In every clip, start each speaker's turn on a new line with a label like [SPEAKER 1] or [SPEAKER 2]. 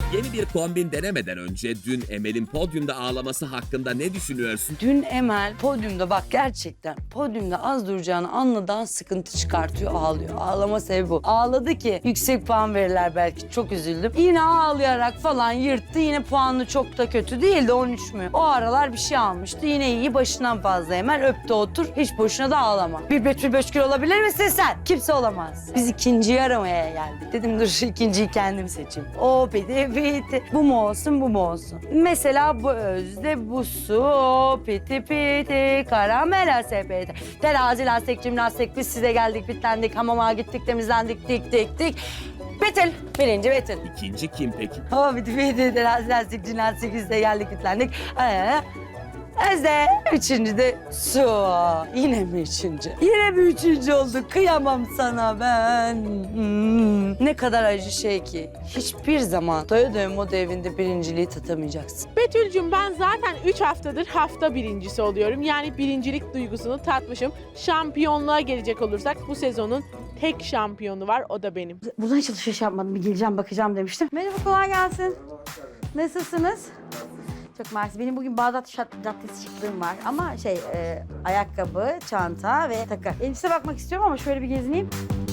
[SPEAKER 1] Yeni bir kombin denemeden önce dün Emel'in podyumda ağlaması hakkında ne düşünüyorsun?
[SPEAKER 2] Dün Emel podyumda bak gerçekten podyumda az duracağını anladan sıkıntı çıkartıyor, ağlıyor. Ağlama sebebi bu. Ağladı ki yüksek puan verirler belki. Çok üzüldüm. Yine ağlayarak falan yırttı. Yine puanı çok da kötü değildi 13 mü? O aralar bir şey almıştı. Yine iyi başından fazla Emel öptü otur. Hiç boşuna da ağlama. Bir Betül Böşkür olabilir misin sen? Kimse olamaz. Biz ikinciyi aramaya geldik. Dedim dur ikinciyi kendim seçeyim. O piti piti. Bu mu olsun bu mu olsun? Mesela bu özde bu su. O piti piti. Karamela sepeti. Terazi lastik cimnastik. Biz size geldik bitlendik. Hamama gittik temizlendik dik dik dik. Betül. Birinci Betül.
[SPEAKER 1] İkinci kim peki?
[SPEAKER 2] O piti piti. Terazi lastik cimnastik. Biz de geldik bitlendik. Özde. Üçüncü de su. Yine mi üçüncü? Yine mi üçüncü olduk? Kıyamam sana ben. Ne kadar acı şey ki. Hiçbir zaman doya doya moda evinde birinciliği tatamayacaksın.
[SPEAKER 3] Betül'cüm ben zaten 3 haftadır hafta birincisi oluyorum. Yani birincilik duygusunu tatmışım. Şampiyonluğa gelecek olursak bu sezonun tek şampiyonu var, o da benim.
[SPEAKER 4] Buradan hiç alışveriş yapmadım. Bir geleceğim bakacağım demiştim. Merhaba kolay gelsin. Nasılsınız? Çok mersi. Benim bugün Bağdat Caddesi şıklığım var ama ayakkabı, çanta ve takı. Elbise bakmak istiyorum ama şöyle bir gezineyim.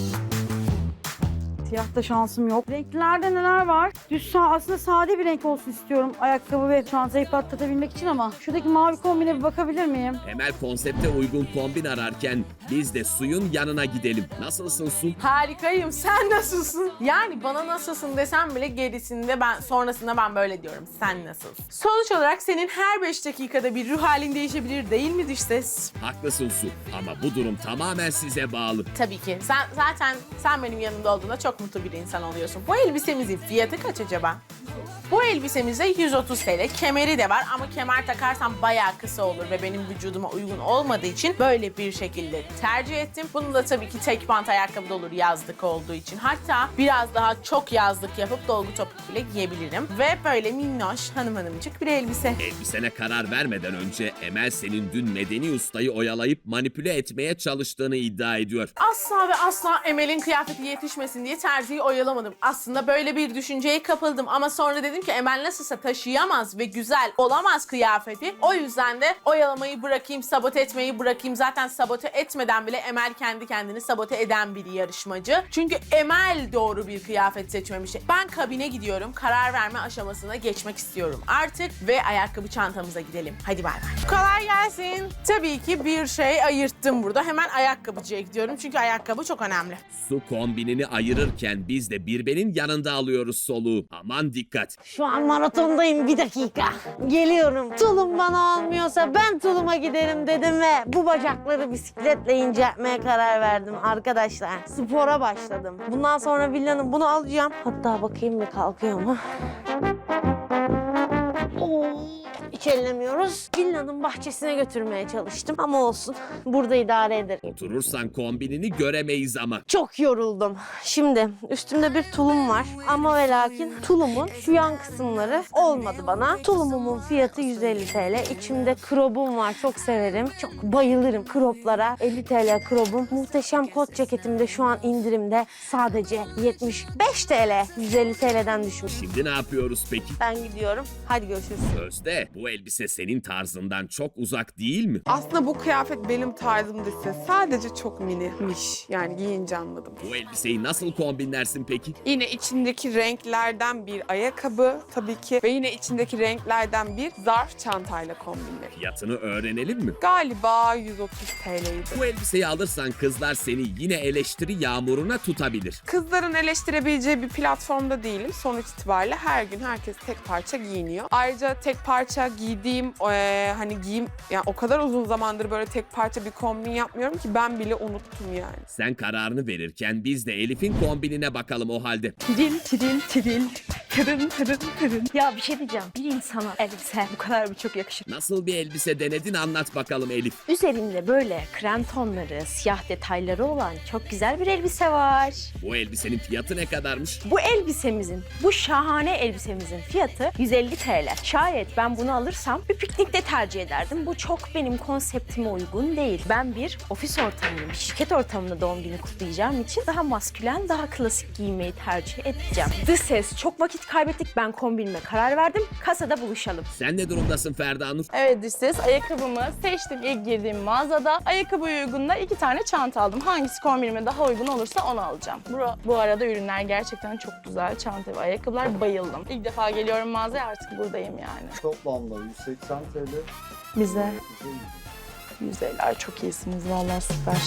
[SPEAKER 4] Siyahta şansım yok. Renklerde neler var? Aslında sade bir renk olsun istiyorum ayakkabı ve çantayı patlatabilmek için ama şuradaki mavi kombine bir bakabilir miyim?
[SPEAKER 1] Emel konsepte uygun kombin ararken biz de Su'nun yanına gidelim. Nasılsın Su?
[SPEAKER 3] Harikayım. Sen nasılsın? Yani bana nasılsın desem bile gerisinde sonrasında ben böyle diyorum. Sen nasılsın? Sonuç olarak senin her 5 dakikada bir ruh halin değişebilir değil mi dış ses?
[SPEAKER 1] Haklısın Su ama bu durum tamamen size bağlı.
[SPEAKER 3] Tabii ki. Sen benim yanımda olduğunda çok mutlu bir insan oluyorsun. Bu elbisemizin fiyatı kaç acaba? Bu elbisemizde 130 TL. Kemeri de var ama kemer takarsam bayağı kısa olur ve benim vücuduma uygun olmadığı için böyle bir şekilde tercih ettim. Bunu da tabii ki tek bant ayakkabı da olur yazlık olduğu için. Hatta biraz daha çok yazlık yapıp dolgu topuk bile giyebilirim. Ve böyle minnoş hanımcık bir elbise.
[SPEAKER 1] Elbisene karar vermeden önce Emel senin dün Medeni Usta'yı oyalayıp manipüle etmeye çalıştığını iddia ediyor.
[SPEAKER 3] Asla ve asla Emel'in kıyafeti yetişmesin diye terziyi oyalamadım. Aslında böyle bir düşünceye kapıldım ama sonra dedim ki Emel nasılsa taşıyamaz ve güzel olamaz kıyafeti. O yüzden de oyalamayı bırakayım, sabote etmeyi bırakayım. Zaten sabote etmeden bile Emel kendi kendini sabote eden bir yarışmacı. Çünkü Emel doğru bir kıyafet seçmemiş. Ben kabine gidiyorum. Karar verme aşamasına geçmek istiyorum artık ve ayakkabı çantamıza gidelim. Hadi bay bay. Kolay gelsin. Tabii ki bir şey ayırttım burada. Hemen ayakkabıcıya gidiyorum çünkü ayakkabı çok önemli.
[SPEAKER 1] Su kombinini ayırırken biz de Birben'in yanında alıyoruz soluğu. Aman dikkat.
[SPEAKER 5] Şu an maratondayım, bir dakika. Geliyorum. Tulum bana olmuyorsa ben tuluma giderim dedim ve bu bacakları bisikletle inceltmeye karar verdim arkadaşlar. Spora başladım. Bundan sonra villanın bunu alacağım. Hatta bakayım bir kalkıyor mu? Hiç ellemiyoruz. Villanın bahçesine götürmeye çalıştım ama olsun. Burada idare ederim.
[SPEAKER 1] Oturursan kombinini göremeyiz ama.
[SPEAKER 5] Çok yoruldum. Şimdi üstümde bir tulum var ama ve lakin tulumun şu yan kısımları olmadı bana. Tulumumun fiyatı 150 TL. İçimde crobum var. Çok severim. Çok bayılırım croplara. 50 TL cropum. Muhteşem kot ceketim de şu an indirimde. Sadece 75 TL. 150 TL'den düşmüş.
[SPEAKER 1] Şimdi ne yapıyoruz peki?
[SPEAKER 5] Ben gidiyorum. Hadi görüşürüz.
[SPEAKER 1] Özde, bu elbise senin tarzından çok uzak değil mi?
[SPEAKER 6] Aslında bu kıyafet benim tarzım değilse sadece çok minimiş. Yani giyince anladım.
[SPEAKER 1] Bu elbiseyi nasıl kombinlersin peki?
[SPEAKER 6] Yine içindeki renklerden bir ayakkabı tabii ki ve yine içindeki renklerden bir zarf çantayla kombinlerim.
[SPEAKER 1] Fiyatını öğrenelim mi?
[SPEAKER 6] Galiba 130 TL'ydi.
[SPEAKER 1] Bu elbiseyi alırsan kızlar seni yine eleştiri yağmuruna tutabilir.
[SPEAKER 6] Kızların eleştirebileceği bir platformda değilim. Sonuç itibariyle her gün herkes tek parça giyiniyor. Ayrıca tek parça giydiğim yani o kadar uzun zamandır böyle tek parça bir kombin yapmıyorum ki ben bile unuttum yani.
[SPEAKER 1] Sen kararını verirken biz de Elif'in kombinine bakalım o halde.
[SPEAKER 4] Tiril tiril tiril. Tırın tırın tırın. Ya bir şey diyeceğim. Bir insana elbise bu kadar mı çok yakışır?
[SPEAKER 1] Nasıl bir elbise denedin anlat bakalım Elif.
[SPEAKER 4] Üzerinde böyle krem tonları, siyah detayları olan çok güzel bir elbise var.
[SPEAKER 1] Bu elbisenin fiyatı ne kadarmış?
[SPEAKER 4] Bu elbisemizin, bu şahane elbisemizin fiyatı 150 TL. Şayet ben bunu alırsam
[SPEAKER 7] alırsam bir piknikte tercih ederdim. Bu çok benim konseptime uygun değil. Ben bir ofis ortamında, bir şirket ortamında doğum günü kutlayacağım için daha maskülen, daha klasik giymeyi tercih edeceğim. Dış ses, çok vakit kaybettik. Ben kombinime karar verdim. Kasada buluşalım.
[SPEAKER 1] Sen ne durumdasın Ferda Nur?
[SPEAKER 8] Evet dış ses, ayakkabımı seçtim ilk girdiğim mağazada. Ayakkabıya uygun da 2 tane çanta aldım. Hangisi kombinime daha uygun olursa onu alacağım. Bu arada ürünler gerçekten çok güzel. Çanta ve ayakkabılar bayıldım. İlk defa geliyorum mağazaya, artık buradayım yani.
[SPEAKER 9] Toplamda 180 TL.
[SPEAKER 8] Bize 150'ler çok iyisiniz vallahi, süper.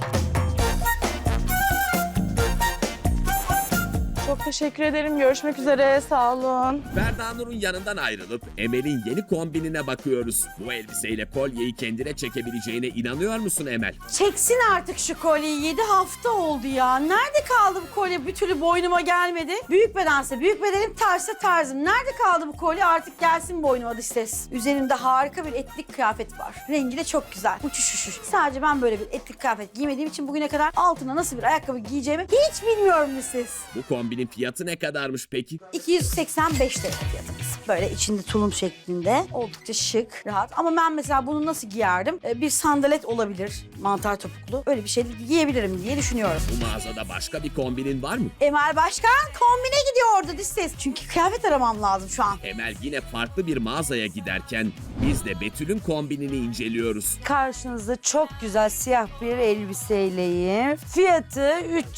[SPEAKER 8] Çok teşekkür ederim. Görüşmek üzere. Sağ olun.
[SPEAKER 1] Ferda Nur'un yanından ayrılıp Emel'in yeni kombinine bakıyoruz. Bu elbiseyle kolyeyi kendine çekebileceğine inanıyor musun Emel?
[SPEAKER 4] Çeksin artık şu kolyeyi. 7 hafta oldu ya. Nerede kaldı bu kolye? Bir türlü boynuma gelmedi. Büyük bedense büyük bedenim, tarzsa tarzım. Nerede kaldı bu kolye? Artık gelsin boynuma dış ses. Üzerimde harika bir etnik kıyafet var. Rengi de çok güzel. Uçuş uçuş. Sadece ben böyle bir etnik kıyafet giymediğim için bugüne kadar altına nasıl bir ayakkabı giyeceğimi hiç bilmiyorum dış ses.
[SPEAKER 1] Bu kombinin fiyatı ne kadarmış peki?
[SPEAKER 4] 285 TL fiyatımız. Böyle içinde tulum şeklinde. Oldukça şık, rahat. Ama ben mesela bunu nasıl giyerdim? Bir sandalet olabilir. Mantar topuklu. Öyle bir şey giyebilirim diye düşünüyorum.
[SPEAKER 1] Bu mağazada başka bir kombinin var mı?
[SPEAKER 4] Emel Başkan kombine gidiyordu dış ses. Çünkü kıyafet aramam lazım şu an.
[SPEAKER 1] Emel yine farklı bir mağazaya giderken biz de Betül'ün kombinini inceliyoruz.
[SPEAKER 2] Karşınızda çok güzel siyah bir elbiseyleyim. Fiyatı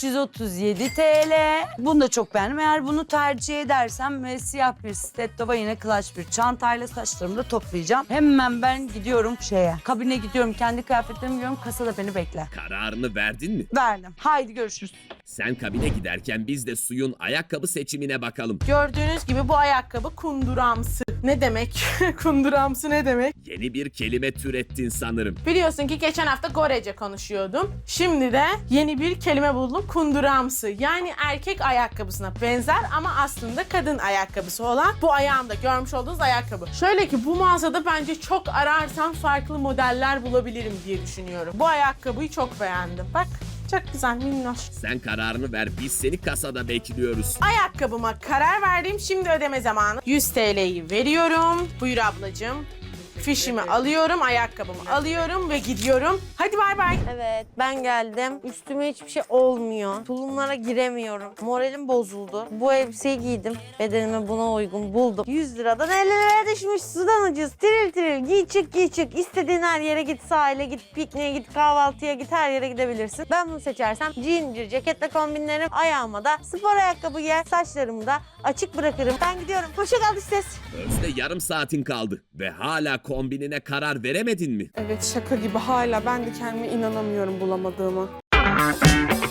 [SPEAKER 2] 337 TL. Bunu da çok beğendim. Eğer bunu tercih edersem siyah bir stiletto ve yine clutch bir çantayla saçlarımı da toplayacağım. Hemen ben gidiyorum kabine gidiyorum. Kendi kıyafetlerimi giyiyorum. Kasada beni bekle.
[SPEAKER 1] Kararını verdin mi?
[SPEAKER 2] Verdim. Haydi görüşürüz.
[SPEAKER 1] Sen kabine giderken biz de Suyun ayakkabı seçimine bakalım.
[SPEAKER 3] Gördüğünüz gibi bu ayakkabı kunduramsı. Ne demek? Kunduramsı ne demek?
[SPEAKER 1] Yeni bir kelime türettin sanırım.
[SPEAKER 3] Biliyorsun ki geçen hafta Gorece konuşuyordum. Şimdi de yeni bir kelime buldum. Kunduramsı. Yani erkek ayakkabısına benzer ama aslında kadın ayakkabısı olan bu ayağımda görmüş olduğunuz ayakkabı. Şöyle ki bu mağazada bence çok ararsam farklı modeller bulabilirim diye düşünüyorum. Bu ayakkabıyı çok beğendim. Bak çok güzel, minnoş.
[SPEAKER 1] Sen kararını ver, biz seni kasada bekliyoruz.
[SPEAKER 3] Ayakkabıma karar verdim. Şimdi ödeme zamanı. 100 TL'yi veriyorum. Buyur ablacığım. Fişimi alıyorum, ayakkabımı alıyorum ve gidiyorum. Hadi bay bay.
[SPEAKER 5] Evet, ben geldim. Üstüme hiçbir şey olmuyor. Tulumlara giremiyorum. Moralim bozuldu. Bu elbiseyi giydim. Bedenime buna uygun buldum. 100 liradan 50 liraya düşmüş. Sudan ucuz. Tiril tiril. Giy çık giy çık. İstediğin her yere git. Sahile git, pikniğe git, kahvaltıya git. Her yere gidebilirsin. Ben bunu seçersem jean ceketle kombinlerim. Ayağıma da spor ayakkabı giyer. Saçlarımı da açık bırakırım. Ben gidiyorum. Hoşça kal dış ses.
[SPEAKER 1] Özde yarım saatin kaldı ve hala kombinine karar veremedin mi?
[SPEAKER 6] Evet, şaka gibi hala ben de kendime inanamıyorum bulamadığımı.